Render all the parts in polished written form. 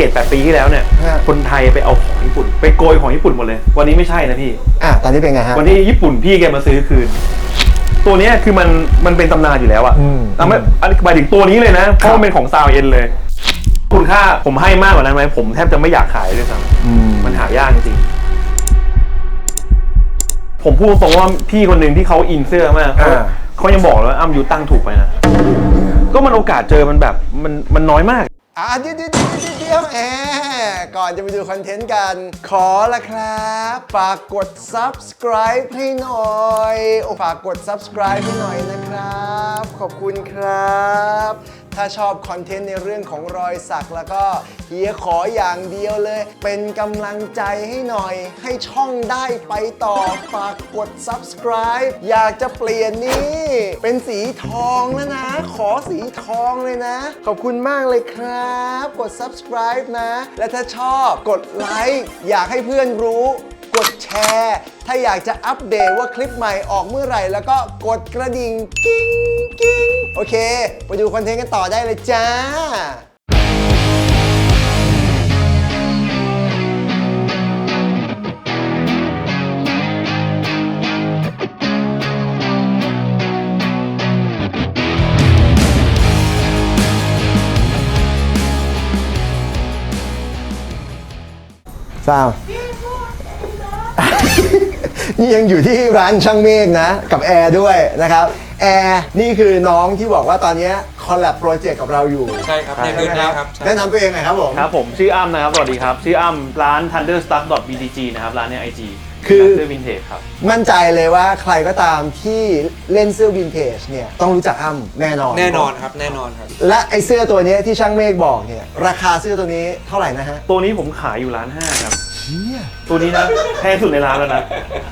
7-8 ปีที่แล้วเนี่ยคนไทยไปเอาของญี่ปุ่นไปโกยของญี่ปุ่นหมดเลยวันนี้ไม่ใช่นะพี่ตอนนี้เป็นไงฮะวันนี้ญี่ปุ่นพี่แกมาซื้อคืนตัวนี้คือมันเป็นตำนานอยู่แล้วอะแต่ไม่หมายถึงตัวนี้เลยนะเพราะมันเป็นของซาวเอ็นเลยคุณค่าผมให้มากกว่านั้นไหมผมแทบจะไม่อยากขายด้วยซ้ำมันหายากจริงผมพูดตรงว่าพี่คนหนึ่งที่เขาอินเสื้อมากเขายังบอกเลยว่าอ้ำยูตั้งถูกไปนะก็มันโอกาสเจอมันแบบมันน้อยมากเดี๋ยวก่อนจะไปดูคอนเทนต์กันขอละครับฝากกด subscribe ให้หน่อยฝากกด subscribe ให้หน่อยนะครับขอบคุณครับถ้าชอบคอนเทนต์ในเรื่องของรอยสักแล้วก็เฮียขออย่างเดียวเลยเป็นกำลังใจให้หน่อยให้ช่องได้ไปต่อฝากกด subscribe อยากจะเปลี่ยนนี่เป็นสีทองแล้วนะขอสีทองเลยนะขอบคุณมากเลยครับกด subscribe นะและถ้าชอบกดไลค์อยากให้เพื่อนรู้กดแชร์ถ้าอยากจะอัปเดตว่าคลิปใหม่ออกเมื่อไหร่แล้วก็กดกระดิ่งกิ้งกิ้งโอเคไปดูคอนเทนต์กันต่อได้เลยจ้าสาวนี่ยังอยู่ที่ร้านช่างเมฆนะกับแอร์ด้วยนะครับแอร์นี่คือน้องที่บอกว่าตอนนี้คอลแลบโปรเจกต์กับเราอยู่ใช่ครับในพื้นที่ครับแนะนำตัวเองหน่อยครับผมครับผมชื่ออ้ำนะครับสวัสดีครับชื่ออ้ำร้าน thunderstuck.btg นะครับร้านใน IG คือเสื้อวินเทจครับมั่นใจเลยว่าใครก็ตามที่เล่นเสื้อวินเทจเนี่ยต้องรู้จักอ้ำแน่นอนครับแน่นอนครับและไอเสื้อตัวนี้ที่ช่างเมฆบอกเนี่ยราคาเสื้อตัวนี้เท่าไหร่นะฮะตัวนี้ผมขายอยู่1,500,000ครับตัวนี้นะแพงสุดในร้านแล้วนะ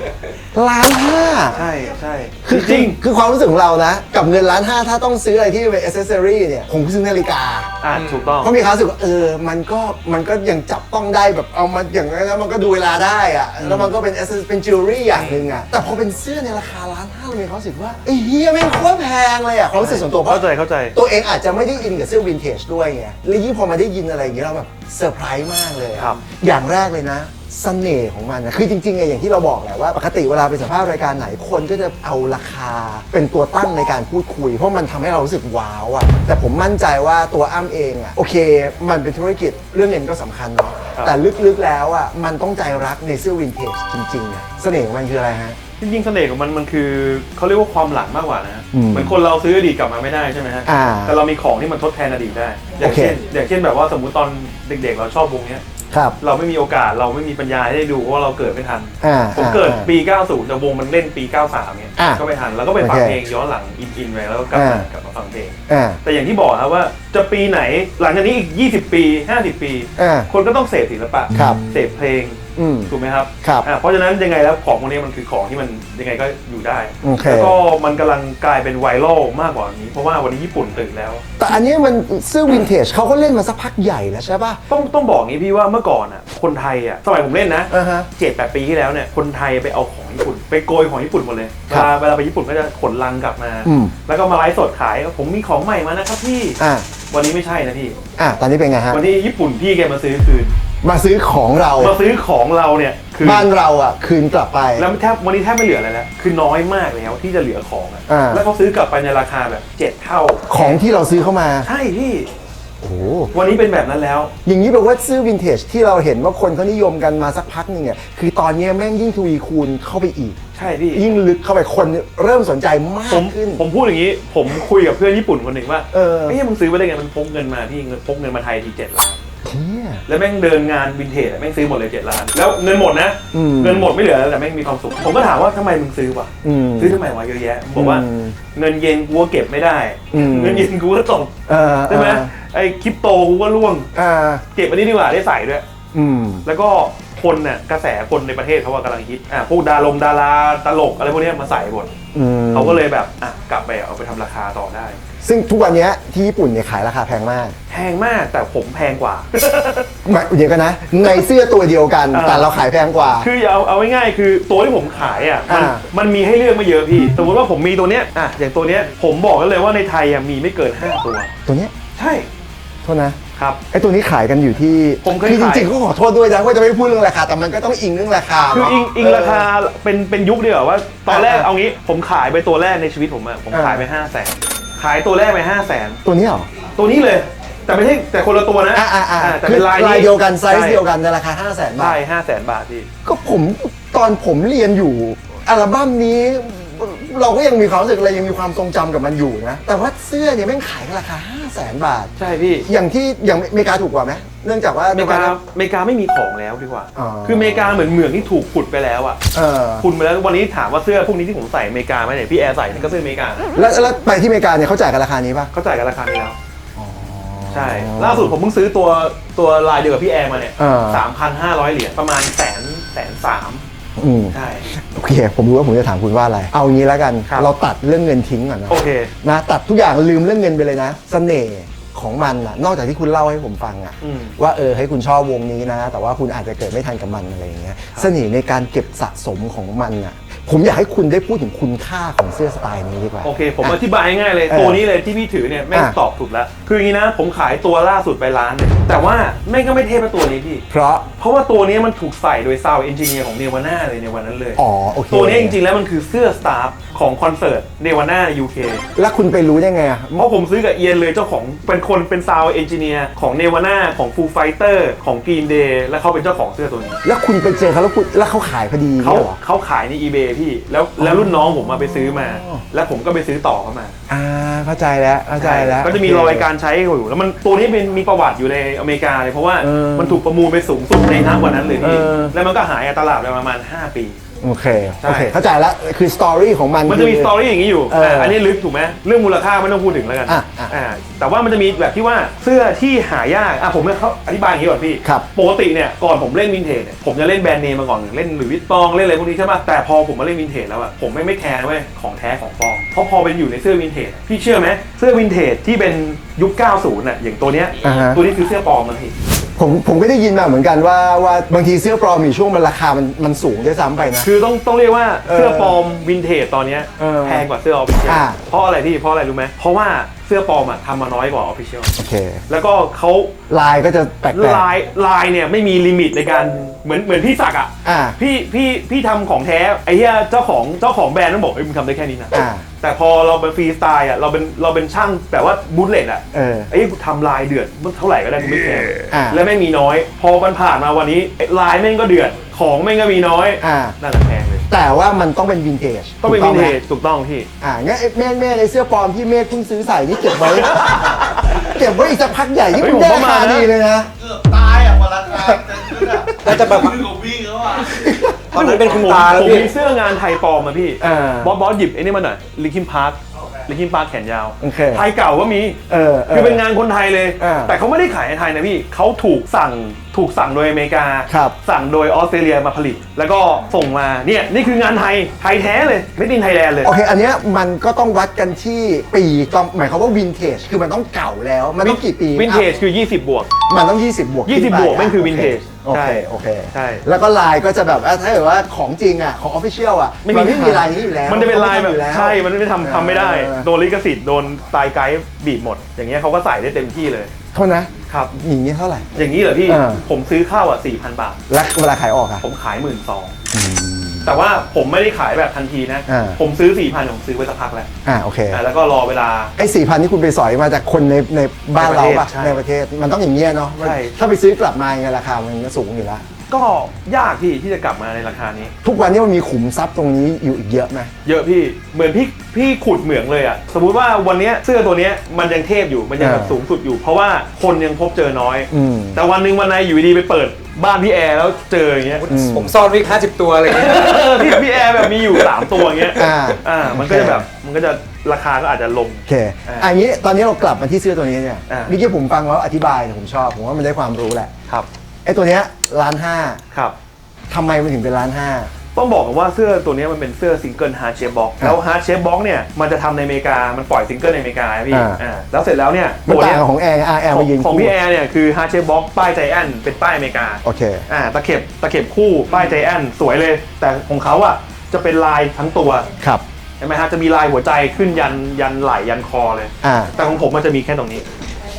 1,500,000 ใช่ใช่จริงคือความรู้สึกของเรานะกับเงิน1,500,000ถ้าต้องซื้ออะไรที่เป็น accessory เนี่ยผมซื้อนาฬิกาถูกต้องเพราะมีความรู้สึกว่ามันก็ยังจับต้องได้แบบเอามาอย่างนั้นแล้วมันก็ดูเวลาได้อะแล้วมันก็เป็นจิวเวลรี่อย่างหนึ่งอะแต่พอเป็นเสื้อในราคา1,500,000เรามีความรู้สึกว่าไอ้เฮียแม่งโคตรแพงเลยอะความรู้สึกส่วนตัวเข้าใจตัวเองอาจจะไม่ได้อินกับเสื้อวินเทจด้วยไงแล้วยิ่งพอมาได้ยินอะไรอย่างเงี้ยเราแบบเซอร์ไพรส์มากเลยอย่างแรกเลยนะเสน่ห์ของมันนะคือจริงๆไงอย่างที่เราบอกแหละว่าปกติเวลาไปสัมภาษณ์รายการไหนคนก็จะเอาราคาเป็นตัวตั้งในการพูดคุยเพราะมันทำให้เรารู้สึกว้าวอะแต่ผมมั่นใจว่าตัวอ้ำเองอะโอเคมันเป็นธุรกิจเรื่องเงินก็สำคัญเนาะแต่ลึกๆแล้วอะมันต้องใจรักในเสื้อวินเทจจริงๆอะเสน่ห์ของมันคืออะไรฮะจริงๆเสน่ห์ของมันคือเขาเรียกว่าความหลังมากกว่านะเหมือนคนเราซื้ออดีตกลับมาไม่ได้ใช่ไหมฮะแต่เรามีของที่มันทดแทนอดีตได้อย่างเช่นแบบว่าสมมุติตอนเด็กๆเราชอบวงนี้เราไม่มีโอกาสเราไม่มีปัญญาให้ได้ดูเพราะว่าเราเกิดไม่ทันผมเกิดปี 90แต่วงมันเล่นปี 93เนี่ยก็ไม่ทันแล้วก็ไปฟังเพลงย้อนหลังอินไปแล้วก็กลับมาฟังเพลงแต่อย่างที่บอกครับว่าจะปีไหนหลังจากนี้อีก20 ปี50 ปีคนก็ต้องเสพศิลปะเสพเพลงถูกไหมครับเพราะฉะนั้นยังไงแล้วของพวกนี้มันคือของที่มันยังไงก็อยู่ได้แล้วก็มันกำลังกลายเป็นไวรัลมากกว่านี้เพราะว่าวันนี้ญี่ปุ่นตื่นแล้วแต่อันนี้มันเสื้อวินเทจเขาก็เล่นมาสักพักใหญ่แล้วใช่ป่ะต้องบอกงี้พี่ว่าเมื่อก่อนอ่ะคนไทยอ่ะสมัยผมเล่นนะ7-8 ปีที่แล้วเนี่ยคนไทยไปเอาของญี่ปุ่นไปโกยของญี่ปุ่นหมดเลยเวลาไปญี่ปุ่นก็จะขนลังกลับมาแล้วก็มาไลฟ์สดขายผมมีของใหม่มานะครับพี่วันนี้ไม่ใช่นะพี่ตอนนี้เป็นไงฮะวันนี้ญี่ปุ่นพี่แกมาซื้อคืนมาซื้อของเราเนี่ยคือบ้านเราอ่ะคืนกลับไปแล้ววันนี้แทบไม่เหลืออะไรแล้วคือน้อยมากแล้วที่จะเหลือของแล้วเขาซื้อกลับไปในราคาแบบ7 เท่าของที่เราซื้อเข้ามาใช่พี่โอ้วันนี้เป็นแบบนั้นแล้วอย่างนี้แปลว่าซื้อวินเทจที่เราเห็นว่าคนเขานิยมกันมาสักพักนึงเนี่ยคือตอนนี้แม่งยิ่งทวีคูณเข้าไปอีกใช่พี่ยิ่งลึกเข้าไปคนเริ่มสนใจมากขึ้นผมพูดอย่างนี้ผมคุยกับเพื่อนญี่ปุ่นคนหนึ่งว่าไอ้มึงซื้อไปได้ไงมันพกเงินมาพี่พกเงินมาไทยที7 ล้านแล้วแม่งเดินงานวินเทจแม่งซื้อหมดเลย7 ล้านแล้วเงินหมดนะเงินหมดไม่เหลือแต่แม่งมีความสุขผมก็ถามว่าทำไมมึงซื้อวะซื้อทำไมวะเยอะแยะบอกว่าเงินเย็นกูก็เก็บไม่ได้เงินเย็นกูก็ตกใช่ไหมไอ้คริปโตกูก็ร่วงเก็บอันนี้ดีกว่าได้ใส่ด้วยแล้วก็คนน่ะกระแสคนในประเทศเขาว่ากำลังฮิตพวกดาราตลกอะไรพวกนี้มาใส่หมดเขาก็เลยแบบกลับไปเอาไปทำราคาต่อได้ซึ่งทุกวันนี้ที่ญี่ปุ่นเนี่ยขายราคาแพงมากแต่ผมแพงกว่าเดี๋ยวกันนะในเสื้อตัวเดียวกันแต่เราขายแพงกว่าคือเอาง่ายๆคือตัวที่ผมขายมันมีให้เลือกไม่เยอะพี่สมมติว่าผมมีตัวเนี้ยอย่างตัวเนี้ยผมบอกกันเลยว่าในไทยมีไม่เกิน5 ตัวเนี้ยใช่โทษนะครับไอ้ตัวนี้ขายกันอยู่ที่ผมเคยคือจขายริงๆก็ขอโทษด้วยนะว่าจะไม่พูดเรื่องราคาแต่มันก็ต้องอิงเรื่องราคาคือเนาะอิงราคาเป็นยุคเดียวว่าตอนแรกเอางี้ผมขายไปตัวแรกในชีวิตผมอะผมขายไป500,000ขายตัวแรกไป500,000 ตัวนี้เหรอตัวนี้เลยแต่ไม่ใช่แต่คนละตัวนะแต่คืเป็อนลายเดียวกันไซส์เดียวกันในราคา 500,000 บาทใช่500,000 บาทพี่ก็ตอนผมเรียนอยู่อัลบั้มนี้เราก็ยังมีความรู้สึกอะไรยังมีความทรงจำกับมันอยู่นะแต่ว่าเสื้อเนี่ยแม่งขายกันราคา 500,000 บาทใช่พี่อย่างอเมริกาถูกกว่าไหมเนื่องจากว่าอเมริกาไม่มีของแล้วดีกว่าอ๋อคืออเมริกาเหมืองที่ถูกขุดไปแล้วอ่ะขุดไปแล้ววันนี้ถามว่าเสื้อพวกนี้ที่ผมใส่อเมริกาไหมเนี่ยพี่แอร์ใส่นี่ก็เสื้ออเมริกาแล้วไปที่อเมริกาเนี่ยเขาจ่ายกันราคานี้ป่ะเขาจ่ายกันราคานี้แล้วใช่ล่าสุดผมเพิ่งซื้อตัวลายเดียวกับพี่แอร์มาเนี่ย3,500 เหรียญประมาณ130,000ใช่โอเคผมรู้ว่าผมจะถามคุณว่าอะไรเอางี้แล้วกันเราตัดเรื่องเงินทิ้งก่อนนะโอเคนะตัดทุกอย่างลืมเรื่องเงินไปเลยนะเสน่ห์ของมันอะนอกจากที่คุณเล่าให้ผมฟังอะว่าให้คุณชอบวงนี้นะแต่ว่าคุณอาจจะเกิดไม่ทันกับมันอะไรอย่างเงี้ยเสน่ห์ในการเก็บสะสมของมันอะผมอยากให้คุณได้พูดถึงคุณค่าของเสื้อสไตล์นี้ดีกว่าโอเคผมอธิบายง่ายๆเลยตัวนี้เลยที่พี่ถือเนี่ยแม่งตอบถูกแล้วคืออย่างนี้นะผมขายตัวล่าสุดไปล้านเนี่ยแต่ว่าแม่งก็ไม่เทพตัวนี้พี่เพราะว่าตัวนี้มันถูกใส่โดยซาวด์เอนจิเนียร์ของเนวาน่าเลยในวันนั้นเลยโอเคตัวนี้จริงๆแล้วมันคือเสื้อสตาฟของคอนเสิร์ตเนวาน่าใน UK แล้วคุณไปรู้ได้ไงเพราะผมซื้อกับเอียนเลยเจ้าของเป็นซาวด์เอนจิเนียร์ของเนวาน่าของฟูไฟเตอร์ของกรีนเดย์และเขาเป็นเจ้าของเสื้อตัวนี้แล้วคุณไปเจอเขาแล้วเขาขายพอดีเขาขายใน eBay พี่แล้วรุ่นน้องผมมาไปซื้อมาแล้วผมก็ไปซื้อต่อเข้ามาเข้าใจแล้วก็จะมีรอยการใช้อยู่แล้วมันตัวนี้มีประวัติอยู่ในอเมริกาเลยเพราะว่ามันถูกประมูลไปสูงสุดในณวันนั้นเลยพี่แล้วมันก็หายตลาดไปประมาณ5 ปีโอเคเข้าใจแล้วคือสตอรี่ของมันจะมีสตอรี่อย่างนี้อยู่อันนี้ลึกถูกไหมเรื่องมูลค่าไม่ต้องพูดถึงแล้วกันแต่ว่ามันจะมีแบบที่ว่าเสื้อที่หายากผมเขาอธิบายอย่างนี้ก่อนพี่ปกติเนี่ยก่อนผมเล่นวินเทจเนี่ยผมจะเล่นแบรนด์เนมมาก่อนเล่นหรือวิตตองเล่นอะไรพวกนี้ใช่ป่ะแต่พอผมมาเล่นวินเทจแล้วผมไม่แคร์เว้ยของแท้ของปลอมเพราะพอเป็นอยู่ในเสื้อวินเทจพี่เชื่อไหมเสื้อวินเทจที่เป็นยุค 90น่ะอย่างตัวเนี้ยตัวนี้คือเสื้อปลอมมันพี่ผมก็ได้ยินมาเหมือนกันว่าบางทีเสื้อปลอมมีช่วงมันราคามันสูงด้วยซ้ำไปนะคือต้องเรียกว่าเสื้อปลอมวินเทจตอนนี้แพงกว่าเสื้อออฟฟิเชียลเพราะอะไรรู้ไหมเพราะว่าเสื้อปลอมทำมาน้อยกว่าออฟฟิเชียลโอเคแล้วก็เขาลายก็จะแปลกลายเนี่ยไม่มีลิมิตในการเหมือนพี่ศักดิ์พี่ทำของแท้ไอ้เหี้ยเจ้าของแบรนด์ต้องบอกมึงทำได้แค่นี้นะแต่พอเราเป็นฟรีสไตล์เราเป็นช่างแบบว่าบูทเลตไอ้กูทำลายเดือดเท่าไหร่ก็ได้กูไม่แคร์และไม่มีน้อยพอมันผ่านมาวันนี้ลายแม่งก็เดือดของแม่งก็มีน้อยน่าจะแพงเลยแต่ว่ามันต้องเป็นวินเทจต้องเป็นวินเทจถูกต้องพี่งั้นแม่ในเสื้อปลอมที่เมฆเพิ่งซื้อใส่นี่เก็บไว้อีกสักพักใหญ่ที่คุณได้ราคาดีเลยนะเกือบตายพอราคาน่าจะแบบวิ่งแล้วตอนนั้นเป็นคุณตาแล้วพี่ผมมีเสื้องานไทยปลอมพี่บอสหยิบไอ้นี่มาหน่อยลิคินพาร์คแขนยาวไทยเก่าก็มีคือเป็นงานคนไทยเลยแต่เขาไม่ได้ขายในไทยนะพี่เขาถูกสั่งโดยอเมริกาสั่งโดยออสเตรเลียมาผลิตแล้วก็ส่งมาเนี่ยนี่คืองานไทยแท้เลยไม่ดินไทยแลนด์เลยโอเคอันเนี้ยมันก็ต้องวัดกันที่ปีต้องหมายความว่าวินเทจคือมันต้องเก่าแล้วมันต้องกี่ปีวินเทจคือ20 บวกมันต้อง20 บวกไม่คือวินเทจโอเคใช่แล้วก็ลายก็จะแบบถ้าเกิดว่าของจริงของออฟฟิเชียลมันไม่มีลายนี้อยู่แล้วมันจะเป็นลายแบบใช่มันไม่ทำไม่ได้โดนลิขสิทธิ์โดนสไตล์ไกด์บีบหมดอย่างเงี้ยเขาก็ใส่ได้เต็มที่เลยโทษนะครับอย่างนี้เท่าไหร่อย่างนี้เหรอพี่ผมซื้อเข้า4,000 บาทแล้วเวลาขายออกผมขาย12,000แต่ว่าผมไม่ได้ขายแบบทันทีนะผมซื้อ 4,000 ผมซื้อไว้สักพักแล้วโอเคแล้วก็รอเวลาไอ้ 4,000 นี่คุณไปสอยมาจากคนในบ้านเราป่ะในประเทศมันต้องอย่างเงี้ยเนาะถ้าไปซื้อกลับมาไงราคามันก็สูงอยู่แล้วก็ยากพี่ที่จะกลับมาในราคานี้ทุกวันนี้มันมีขุมทรัพย์ตรงนี้อยู่อีกเยอะไหมเยอะพี่เหมือนพี่ขุดเหมืองเลยสมมุติว่าวันนี้เสื้อตัวนี้มันยังเทพอยู่มันยังแบบสูงสุดอยู่เพราะว่าคนยังพบเจอน้อยแต่วันหนึ่งวันไหนอยู่ดีไปเปิดบ้านพี่แอร์แล้วเจออย่างเงี้ยผมซ่อนไว้50 ตัวอะไรเงี้ยพี่แอร์แบบมีอยู่3 ตัวอย่างเงี้ยมันก็จะแบบมันก็จะราคาก็อาจจะลงโอเคอันนี้ตอนนี้เรากลับมาที่เสื้อตัวนี้เนี่ยเมื่อกี้ผมฟังแล้วอธิบายผมชอบผมว่ามันได้ความรู้แหละครับไอ้ตัวเนี้ย1,500,000 ครับทำไมมันถึงเป็น1,500,000 ต้องบอกกันว่าเสื้อตัวนี้มันเป็นเสื้อซิงเกิลฮาร์ดเชฟบ็อกแล้วฮาร์ดเชฟบ็อกเนี่ยมันจะทำในอเมริกามันปล่อยซิงเกิลในอเมริกาพี่แล้วเสร็จแล้วเนี่ยตัวนี้ของแอร์มายิงของพี่แอร์เนี่ยคือฮาร์ดเชฟบ็อกป้ายใจแอนเป็นป้ายอเมริกาโอเคตะเข็บคู่ป้ายใจแอนสวยเลยแต่ของเขาจะเป็นลายทั้งตัวครับใช่ไหมฮะจะมีลายหัวใจขึ้นยันไหล่ยันคอเลยแต่ของผมมันจะมีแค่ตรงนี้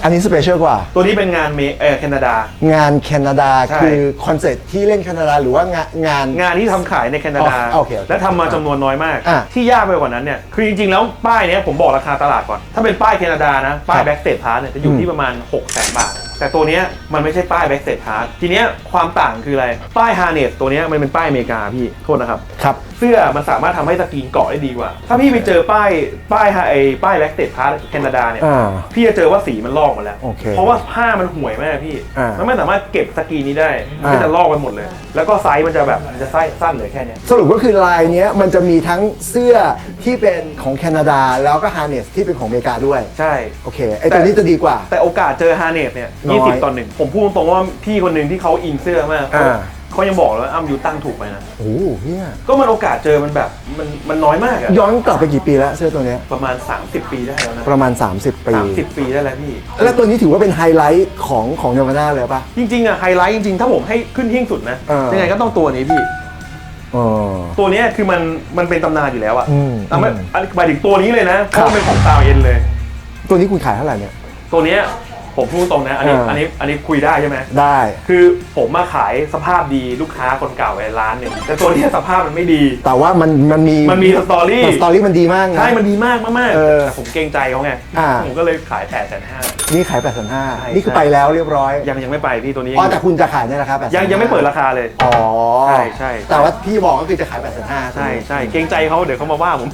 อันนี้สเปเชียลกว่าตัวนี้เป็นงานแคนาดางานแคนาดาคือคอนเสิร์ตที่เล่นแคนาดาหรือว่างานที่ทำขายในแคนาดาและทำมาจำนวนน้อยมากที่ยากไปกว่านั้นเนี่ยคือจริงๆแล้วป้ายเนี้ยผมบอกราคาตลาดก่อนถ้าเป็นป้ายแคนาดานะป้ายแบ็กสเตจพาร์ทเนี่ยจะอยู่ที่ประมาณ 600,000 บาทแต่ตัวเนี้ยมันไม่ใช่ป้ายแบ็กสเตจพาร์ททีเนี้ยความต่างคืออะไรป้ายฮาร์เนสตัวเนี้ยมันเป็นป้ายอเมริกาพี่โทษนะครับเสื้อมันสามารถทำให้สกรีนเกาะได้ดีกว่าถ้าพี่ไปเจอป้ายแบ็กสเตจพาร์ทแคนาดาเนี่ยพี่จะเจอว่าสีมันลอกหมดแล้วเพราะว่าผ้ามันห่วยมากพี่มันไม่สามารถเก็บสกรีนนี้ได้มันก็จะลอกไปหมดเลยแล้วก็ไซส์มันจะแบบมันจะไซส์สั้นเลยแค่นี้สรุปก็คือลายเนี้ยมันจะมีทั้งเสื้อที่เป็นของแคนาดาแล้วก็ฮาร์เนสที่เป็นของอเมริกาด้วยใช่โอเคไอตัวนี้จะดีกว่าแต่โอกาสเจอฮาร์เนสเนี่ย20-1ผมพูดตรงๆว่าพี่คนหนึ่งที่เขาอินเสื้อมากเขายังบอกเลยว่ายูตั้งถูกไปนะโอ้เนี่ยก็มันโอกาสเจอมันแบบมันน้อยมากอะย้อนกลับไปกี่ปีแล้วเสื้อตัวนี้ประมาณ30 ปีได้แล้วนะประมาณ30 ปี 30 ปีได้แล้วพี่แล้วตัวนี้ถือว่าเป็นไฮไลท์ของเนวาน่าเลยป่ะจริงๆอะไฮไลท์จริงๆถ้าผมให้ขึ้นหิ้งสุดนะยังไงก็ต้องตัวนี้พี่ตัวนี้คือมันเป็นตำนานอยู่แล้วอะแต่ไม่หมายถึงตัวนี้เลยนะเพราะมันเป็นของซาวเอ็นเลยตัวนี้คุณขายเท่าไหร่เนี่ยตัวนี้ผมพูดตรงนะอันนี้คุยได้ใช่ไหมได้คือผมมาขายสภาพดีลูกค้าคนเก่าไปร้านหนึ่งแต่ตัวนี้สภาพมันไม่ดีแต่ว่ามันมีสตอรี่มันดีมากใช่มันดีมากแต่ผมเกรงใจเขาไงผมก็เลยขาย850,000 นี่ขาย850,000นี่คือไปแล้วเรียบร้อยยังไม่ไปพี่ตัวนี้แต่คุณจะขายเนี่ยนะครับยังไม่เปิดราคาเลยอ๋อใช่แต่ว่าพี่บอกก็คือจะขาย850,000 ใช่เกรงใจเขาเดี๋ยวเขามาว่าผม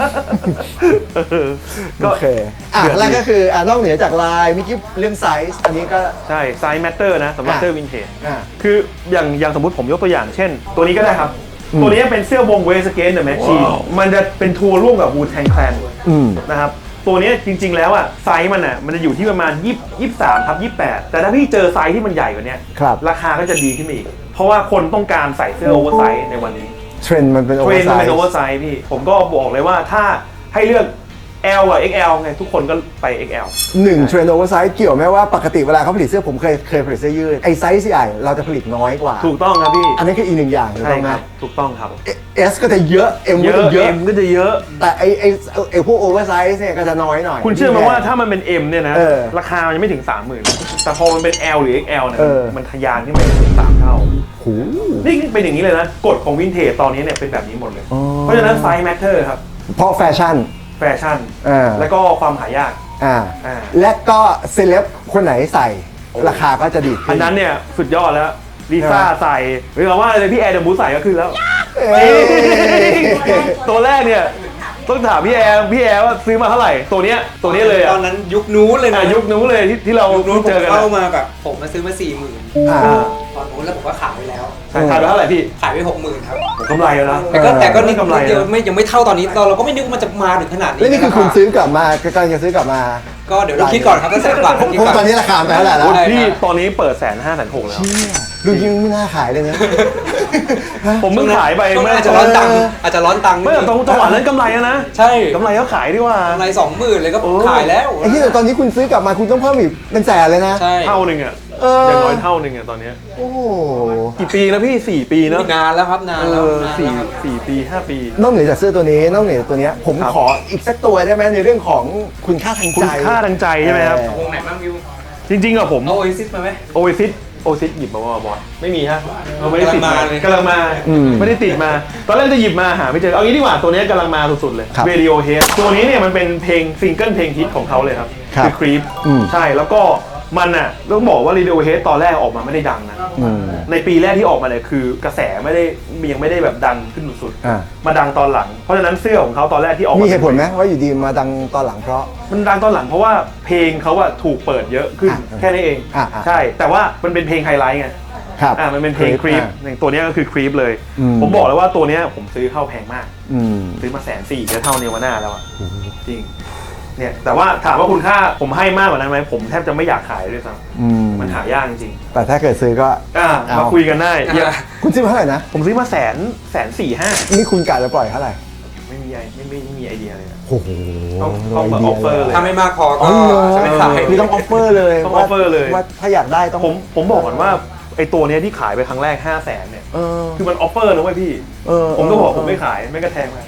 โอเคแล้วก็คือนอกเหนือจากลายมิกกี้เรื่องไซส์อันนี้ก็ใช่ไซส์แมตเตอร์นะสำหรับเสื้อวินเทจคืออย่างสมมติผมยกตัวอย่างเช่นตัวนี้ก็ได้ครับตัวนี้เป็นเสื้อวงเวสเกนเดอะแมชชีนมันจะเป็นทัวร์ร่วมกับวูแทงแคลนนะครับตัวนี้จริงๆแล้วอ่ะไซส์มันจะอยู่ที่ประมาณ23/28แต่ถ้าพี่เจอไซส์ที่มันใหญ่กว่านี้ราคาก็จะดีขึ้นอีกเพราะว่าคนต้องการใส่เสื้อโอเวอร์ไซส์ในวันนี้เทรนด์มันเป็นโอเวอร์ไซส์พี่ผมก็บอกเลยว่าถ้าให้เลือกL กับ XL ไงทุกคนก็ไป XL 1เทรนด์โอเวอร์ไซส์เกี่ยวไหมว่าปกติเวลาเขาผลิตเสื้อผมเคยผลิตเสื้อยืดไอไซส์ใหญ่เราจะผลิตน้อยกว่าถูกต้องครับพี่อันนี้คืออีกหนึ่งอย่างถูกต้องไหมถูกต้องครับ S ก็จะเยอะ M ก็จะเยอะ M ก็จะเยอะแต่ไอพวกโอเวอร์ไซส์เนี่ยก็จะน้อยหน่อยคุณเชื่อไหมว่าถ้ามันเป็น M เนี่ยนะราคามันยังไม่ถึง 30,000 แต่พอมันเป็น L หรือ XL เนี่ยมันทะยานขึ้นไปถึง3 เท่านี่เป็นอย่างนี้เลยนะกฎของวินเทจตอนนี้เนี่ยเป็นแบบนี้หมดเลยเพราะฉะนั้นไซส์แมทเทอร์ครับเพราะแฟชั่นแล้วก็ความหายากและก็เซเลบคนไหนใส่ราคาก็จะดีอันนั้นเนี่ยสุดยอดแล้วลิซ่าใส่หรือว่าอะไรพี่แอร์เดอะมูสใส่ก็ขึ้นแล้วตัวแรกเนี่ยต้องถามพี่แอร์ว่าซื้อมาเท่าไหร่ตัวนี้เลยตอนนั้นยุคนู้นเลยนะยุคนู้นเลยที่เราเจอกันเข้ามาแบบผมมาซื้อมา40,000ตอนนู้นแล้วผมก็ขายไปแล้วขายไปเท่าไหร่พี่ขายไป60,000ครับกำไรแล้วนะแต่ก็นี่กำไรยังไม่เท่าตอนนี้เราก็ไม่นึกว่ามันจะมาถึงขนาดนี้แล้วนี่คือคุณซื้อกลับมากำลังจะซื้อกลับมาก็เดี๋ยวเราคิดก่อนครับต้องแสนกว่าผมตอนนี้ราคาไปเท่าไหร่แล้วพี่ตอนนี้เปิด150,000 160,000แล้วดูยิ่งไม่น่าขายเลยนะผมเพิ่งขายไปอาจจะร้อนตังค์ไม่แต่จังหวะนั้นกำไรนะใช่กำไรก็ขายดีกว่ากำไร20,000เลยก็ขายแล้วไอ้ที่ตอนนี้คุณซื้อกลับมาคุณต้องเพิ่มอีกเป็นแสนเลยนะเท่านึงอ่ะอย่างน้อยเท่านึงอ่ะตอนนี้โอ้กี่ปีแล้วพี่4 ปีเนาะนานแล้วครับนานแล้ว 4 ปี 5 ปีนอกเหนือจากเสื้อตัวนี้นอกเหนือจากตัวนี้ผมขออีกสักตัวได้ไหมในเรื่องของคุณค่าทางใจคุณค่าทางใจใช่ไหมครับวงไหนบ้างวิวจริงๆอะผมโอเอซิสมาไหมโอเอซิสหยิบมาว่าบอสไม่มีฮะเราไม่ได้ติดมากำลังมาไม่ได้ติดมาตอนแรกจะหยิบมาหาไม่เจอเอางี้ดีกว่าตัวนี้กำลังมาสุดๆเลย Radiohead ตัวนี้เนี่ยมันเป็นเพลงซิงเกิลเพลงฮิตของเขาเลยครับคือ Creep ใช่แล้วก็มันน่ะต้องบอกว่า Radiohead ตอนแรกออกมาไม่ได้ดังนะในปีแรกที่ออกมาเนี่ยคือกระแสยังไม่ได้แบบดังขึ้นสุดๆมาดังตอนหลังเพราะฉะนั้นเสื้อของเขาตอนแรกที่ออกมีเหตุผลไหมว่าอยู่ดีมาดังตอนหลังเพราะมันดังตอนหลังเพราะว่าเพลงเขาอะถูกเปิดเยอะขึ้นแค่นี้เองใช่แต่ว่ามันเป็นเพลงไฮไลท์ไงมันเป็นเพลง Creep อย่างตัวนี้ก็คือ Creep เลยผมบอกเลยว่าตัวนี้ผมซื้อเข้าแพงมากซื้อมา140,000จะเท่าเนวาน่าแล้วอะจริงเนี่ยแต่ว่าถามว่าคุณค่าผมให้มากกว่านั้นไหมผมแทบจะไม่อยากขายด้วยซ้ำมันหายากจริงแต่ถ้าเกิดซื้อก็มาคุยกันได้คุณซื้อมาเท่าไหร่นะผมซื้อมา145,000 นี่คุณกะจะปล่อยเท่าไหร่ไม่มีไอเดียเลยนะโอ้โหต้องออฟเฟอร์เลยถ้าไม่มากพอก็จะไม่ขายคือต้องออฟเฟอร์เลยต้องออฟเฟอร์เลยว่าถ้าอยากได้ต้องผมบอกก่อนว่าไอตัวนี้ที่ขายไปครั้งแรก500,000เนี่ยคือมันออฟเฟอร์นะเว้ยพี่ผมก็บอกผมไม่ขายไม่กระแทงไป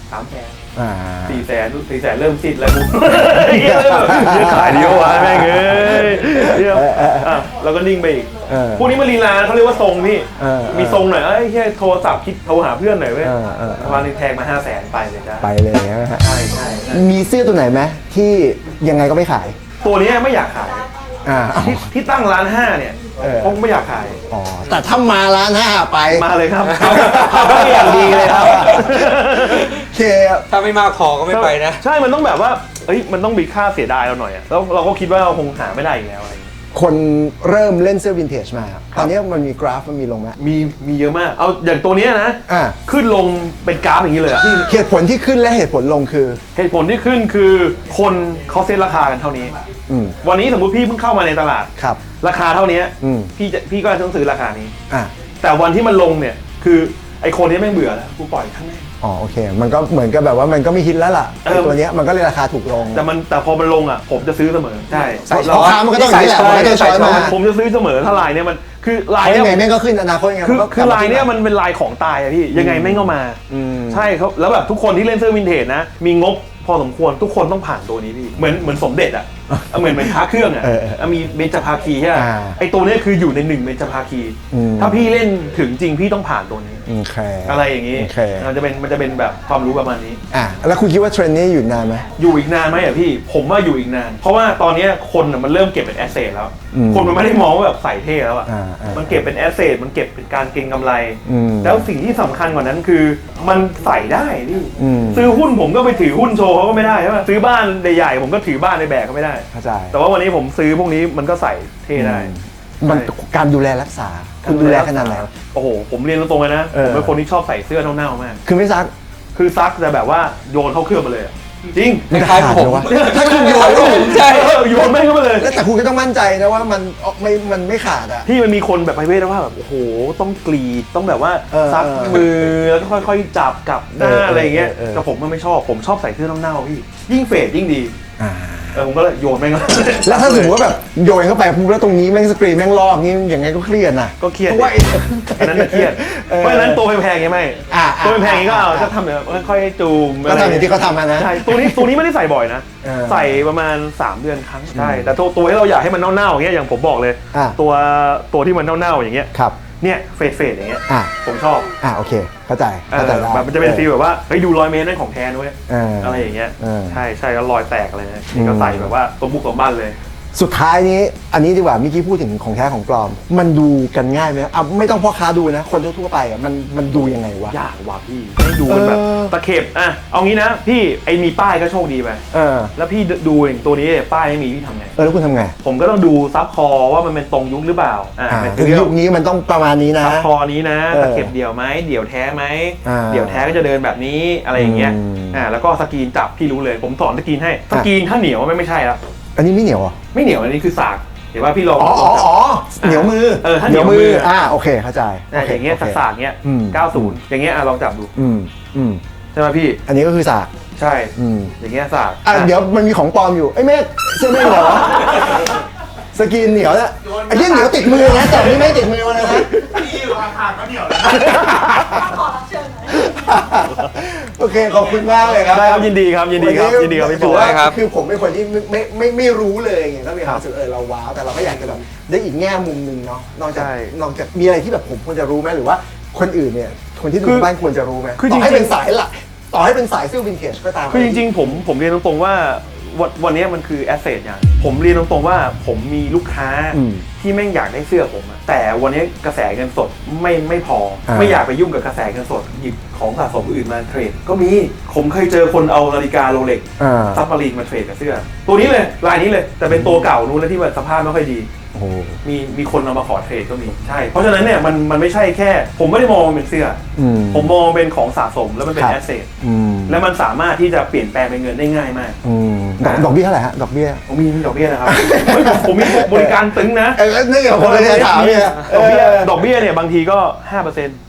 300,000 400,000เริ่มติดแล้วกูเยอะขายเดียววะแม่งเอ้ยเดี๋ยวเราก็นิ่งไปอีกพวกนี้มันลีลาเขาเรียกว่าทรงพี่มีทรงหน่อยแค่โทรศัพท์คิดโทรหาเพื่อนหน่อยเว้ยวันนึงแทงมา500,000ไปเลยจ้ะไปเลยนะฮะใช่มีเสื้อตัวไหนไหมที่ยังไงก็ไม่ขายตัวนี้ไม่อยากขายที่ตั้งร้าน5เนี่ยผมไม่อยากขายแต่ถ้ามาร้าน5ไปมาเลยครับเขาอย่างดีเลยครับถ้าไม่มาขอก็ไม่ไปนะใช่มันต้องแบบว่ามันต้องมีค่าเสียดายเราหน่อยแล้วเราก็คิดว่าเราคงหาไม่ได้อีกแล้วอะไรคนเริ่มเล่นเสื้อวินเทจมาตอนนี้มันมีกราฟมันมีลงไหมมีเยอะมากเอาอย่างตัวนี้นะขึ้นลงเป็นกราฟอย่างนี้เลยเหตุผลที่ขึ้นและเหตุผลลงคือเหตุผลที่ขึ้นคือคนเขาเซ็ตราคากันเท่านี้วันนี้สมมุติพี่เพิ่งเข้ามาในตลาดราคาเท่านี้พี่ก็ต้องซื้อราคานี้แต่วันที่มันลงเนี่ยคือไอคนนี้แม่งเบื่อแล้วกูปล่อยทั้งแม่โอเคมันก็เหมือนกับแบบว่ามันก็ไม่ฮิตแล้วล่ะตัวนี้มันก็เลยราคาถูกลงแต่พอมันลงผมจะซื้อเสมอใช่ราคามันก็ต้องอย่างนี้แหละมันก็ต้องช้อยมาผมจะซื้อเสมอถ้าลายเนี่ยมันคือลายเนี่ยยังไงแม่งก็ขึ้นอนาคตยังไงคือลายเนี่ยมันเป็นลายของตายอะพี่ยังไงแม่งก็มาใช่ครับแล้วแบบทุกคนที่เล่นเสื้อวินเทจนะมีงบพอสมควรทุกคนต้องผ่านตัวนี้พี่เหมือนสมเด็จอะเหมือนพระเครื่องอะมีเบญจภาคีใช่ไหมไอตัวนี้คืออยู่ใน1เบญจภาคีถ้าพี่เล่นถึงจริงพี่ต้องผ่านตัวนี้อะไรอย่างนี้มันจะเป็นแบบความรู้ประมาณนี้แล้วคุณคิดว่าเทรนด์นี้อยู่นานไหมอยู่อีกนานไหมอะพี่ผมว่าอยู่อีกนานเพราะว่าตอนนี้คนมันเริ่มเก็บเป็นแอสเซทแล้วคนมันไม่ได้มองว่าแบบใส่เท่แล้วอะมันเก็บเป็นแอสเซทมันเก็บเป็นการเก็งกำไรแล้วสิ่งที่สำคัญกว่านั้นคือมันใส่ได้พี่ซื้อหุ้นผมก็ไปถือหุ้นโชว์เขาก็ไม่ได้ใช่ไหมซื้อบ้านใหญ่ๆผมก็ถือบ้านในแบกก็ไม่ได้แต่ว่าวันนี้ผมซื้อพวกนี้มันก็ใส่เท่ได้มันการดูแลรักษาคุณดูแลขนาดไหนโอ้โหผมเรียนตรงๆเลยนะผมเป็นคนที่ชอบใส่เสื้อเน่าๆมากคือไม่ซักคือซักแต่แบบว่าโยนเข้าเครื่องมาเลยจริงไม่ขาดผมถ้าคุณโยนใช่โยนไม่เข้ามาเลยแต่คุณก็ต้องมั่นใจนะว่ามันไม่ขาดอ่ะพี่มันมีคนแบบประเภทว่าแบบโอ้โหต้องกรีดต้องแบบว่าซักมือแล้วก็ค่อยๆจับกับหน้าอะไรอย่างเงี้ยแต่ผมไม่ชอบผมชอบใส่เสื้อเน่าๆพี่ยิ่งเฟดยิ่งดีผมก็เลยโยนแม่งแล้วถ้าสมมติว่าแบบโยนเข้าไปปุ๊บแล้วตรงนี้แม่งสกรีนแม่งลอกงี้อย่างไงก็เครียดนะก็เครียดเพราะว่าอันนั้นเครียดเพราะฉะนั้นตัวแพงๆยังไม่ตัวแพงๆก็เอาจะทำแบบค่อยๆจูมก็ทำอย่างที่เขาทำนะใช่ตัวนี้ไม่ได้ใส่บ่อยนะใส่ประมาณ3 เดือนครั้งใช่แต่ตัวที่เราอยากให้มันเน่าๆอย่างเงี้ยอย่างผมบอกเลยตัวที่มันเน่าๆอย่างเงี้ยเนี่ยเฟดอย่างเงี้ยผมชอบโอเคเข้าใจได้มันจะเป็นฟีลแบบว่าเฮ้ยดู100 เมตรนั่นของแท้ด้วยอะไรอย่างเงี้ยใช่แล้วรอยแตกอะไรเนี่ยนี่ก็ใส่แบบว่าตัวบุกตัวบ้านเลยสุดท้ายนี้อันนี้ดีกว่าเมื่อกี้พูดถึงของแท้ของปลอมมันดูกันง่ายไหมไม่ต้องพ่อค้าดูนะคนทั่วไปมันดูยังไงวะยากว่ะพี่ให้ดูมันแบบตะเข็บเอางี้นะพี่มีป้ายก็โชคดีไปแล้วพี่ดูอย่างตัวนี้ป้ายไม่มีพี่ทำไงแล้วคุณทำไงผมก็ต้องดูซับคอว่ามันเป็นตรงยุคหรือเปล่ายุคนี้มันต้องประมาณนี้นะซับคอนี้นะตะเข็บเดี่ยวไหมเดี่ยวแท้ไหมเดี่ยวแท้ก็จะเดินแบบนี้อะไรอย่างเงี้ยแล้วก็สกรีนจับพี่รู้เลยผมสอนสกรีนให้สกรีนถ้าเหนียวไม่ใช่แล้วอันนี้ไม่เหนียวอ่ะไม่เหนียวอันนี้คือสากเห็นว่าพี่ลองเหนียวมือถ้าเหนียวมือโอเคเข้าใจอย่างเงี้ยสากเงี้ย90อย่างเงี้ยลองจับดูใช่ไหมพี่อันนี้ก็คือสากใช่อย่างเงี้ยสากเดี๋ยวมันมีของปลอมอยู่ไอ้เมฆเสื้อเมฆเหรอสกินเหนียวเนี่ยไอ้เรื่องเหนียวติดมือนะแต่นี่ไม่ติดมือมาเลยนะพี่อยู่ห่างๆก็เหนียวแล้วขอรับเชิญโอเคขอบคุณมากเลยครับได้ครับยินดีครับพี่ถือว่าคือผมเป็นคนที่ไม่รู้เลยไงก็มีความรู้สึกเราว้าวแต่เราก็อยากจะแบบได้อีกแง่มุมนึงเนาะนอกจากมีอะไรที่แบบผมควรจะรู้ไหมหรือว่าคนอื่นเนี่ยคนที่ดูบ้านควรจะรู้ไหมต่อให้เป็นสายหลักต่อให้เป็นสายเสื้อวินเทจก็ตามคือจริงๆผมเรียนตรงๆว่าวันนี้มันคือแอสเซทอย่างผมเรียนตรงๆว่าผมมีลูกค้าที่แม่งอยากได้เสื้อผมแต่วันนี้กระแสเงินสดไม่พอไม่อยากไปยุ่งกับกระแสเงินสดหยิบของสะสมอื่นมาเทรดก็มีผมเคยเจอคนเอานาฬิกาโรเล็กซับมารีนมาเทรดกับเสื้อตัวนี้เลยลายนี้เลยแต่เป็นตัวเก่านู้นแล้วที่แบบสภาพไม่ค่อยดีมีคนเอามาขอเทรดก็มีใช่เพราะฉะนั้นเนี่ยมันไม่ใช่แค่ผมไม่ได้มองเป็นเสื้อผมมองเป็นของสะสมแล้วมันเป็นแอสเซทแล้วมันสามารถที่จะเปลี่ยนแปลงเป็นเงินได้ง่ายมากดอกเบี้ยเท่าไหร่ฮะดอกเบี้ยผมมีดอกเบี้ยนะครับผมมีบริการตึงนะนี่กับคนเลยถามเนี่ยดอกเบี้ยเนี่ยบางทีก็ 5%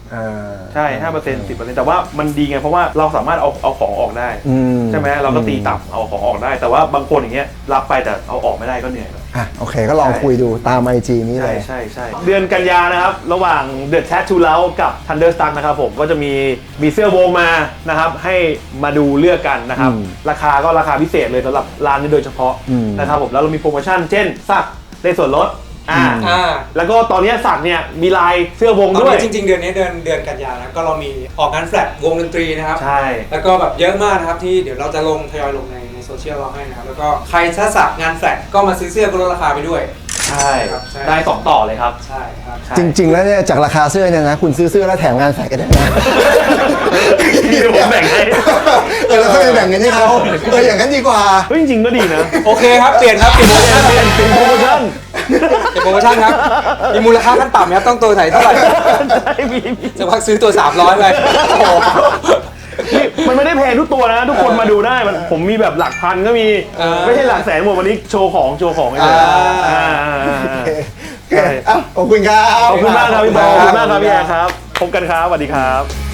ใช่ 5% 10%แต่ว่ามันดีไงเพราะว่าเราสามารถเอาของออกได้ใช่ไหมเราก็ตีต่ำเอาของออกได้แต่ว่าบางคนอย่างเงี้ยรับไปแต่เอาออกไม่ได้ก็เหนื่อยโอเคก็ลองคุยดูตาม IG นี้เลยใช่เดือนกันยานะครับระหว่าง The Tattoo Lounge กับ Thunderstruck นะครับผมก็จะมีเสื้อวงมานะครับให้มาดูเลือกกันนะครับราคาก็ราคาพิเศษเลยสำหรับร้านนี้โดยเฉพาะนะครับผมแล้วเรามีโปรโมชั่นเช่นสักได้ส่วนลดแล้วก็ตอนนี้สักเนี่ยมีลายเสื้อวงด้วยจริงๆเดือนนี้เดือนกันยานะก็เรามีออกงานแฟลตวงดนตรีนะครับใช่แล้วก็แบบเยอะมากนะครับที่เดี๋ยวเราจะทยอยลงในโซเชียลเราให้นะครับแล้วก็ใครถ้าสักงานแฟลตก็มาซื้อเสื้อก็ลดราคาไปด้วยใช่ได้2ต่อเลยครับใช่ครับจริงๆแล้วเนี่ยจากราคาเสื้อเนี่ยนะคุณซื้อเสื้อแล้วแถมงานแฟลตก็ได้นะที่ผมแบ่งให้แล้วก็ไปแบ่งเงินให้เขาอย่างนั้นดีกว่าจริงๆก็ดีนะโอเคครับเปลี่ยนครับเปลี่ยนโปรโมชั่นครับมีมูลค่าขั้นต่ำครับต้องตัวไหนเท่าไหร่จะพักซื้อตัว300ไปมันไม่ได้แพงทุกตัวนะทุกคนมาดูได้ผมมีแบบหลักพันก็มีไม่ใช่หลักแสนหมดวันนี้โชว์ของเลยขอบคุณครับขอบคุณมากครับพี่บอลขอบคุณมากครับพี่แอร์ครับพบกันครับสวัสดีครับ